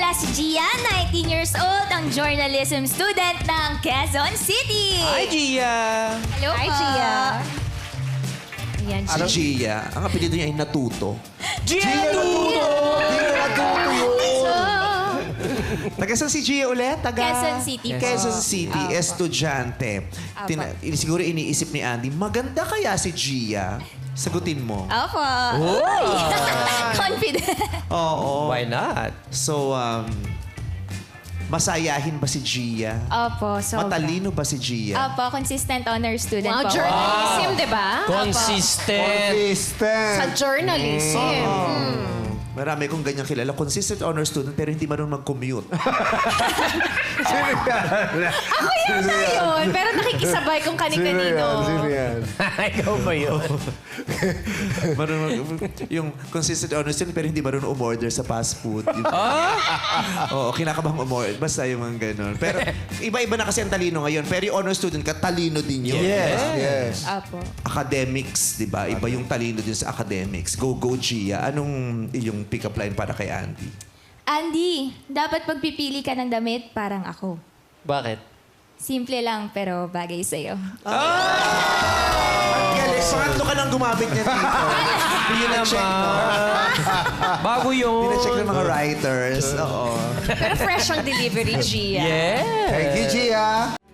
nga si Gia, 19 years old, ang journalism student ng Quezon City. Hi, Gia! Hello Hi, po. Gia. Ayan, Si Gia, ang apelido niya ay Natuto. Gia Natuto! Taga saan si Gia ulit? Taga... Quezon City po. Quezon City, estudyante. Siguro iniisip ni Andy, maganda kaya si Gia? Sagutin mo. Opo. Confident. Oo. Why not? So, masayahin ba si Gia? Opo, sobra. Matalino ba si Gia? Opo, consistent honor student Wow, po. journalism, di ba? Consistent. Sa journalism. Marami kong ganyang kilala. Consistent honor student pero hindi marunong mag-commute. Ako yata yun. Pero nakikisabay kung kani-kanino. Ikaw ba yun? Yung consistent honor student pero hindi marunong umorder sa fast food. Oo, kinakabang umorder. Basta yung mga ganun. Pero iba-iba na kasi ang talino ngayon. Pero yung honor student ka, talino din yun. Yes. Opo. Academics, di ba? Iba yung talino din sa academics. Go, Gia. Anong yung pick-up line para kay Andy? Andy, dapat pagpipili ka ng damit parang ako. Bakit? Simple lang pero bagay sa'yo. Ang galing. Pangatlo ka nang gumamit niya dito. Yun ang check, no? Bago yun. Pina-check ng mga writers. Oo. Pero fresh ang delivery, Gia. Yeah. Thank you, Gia.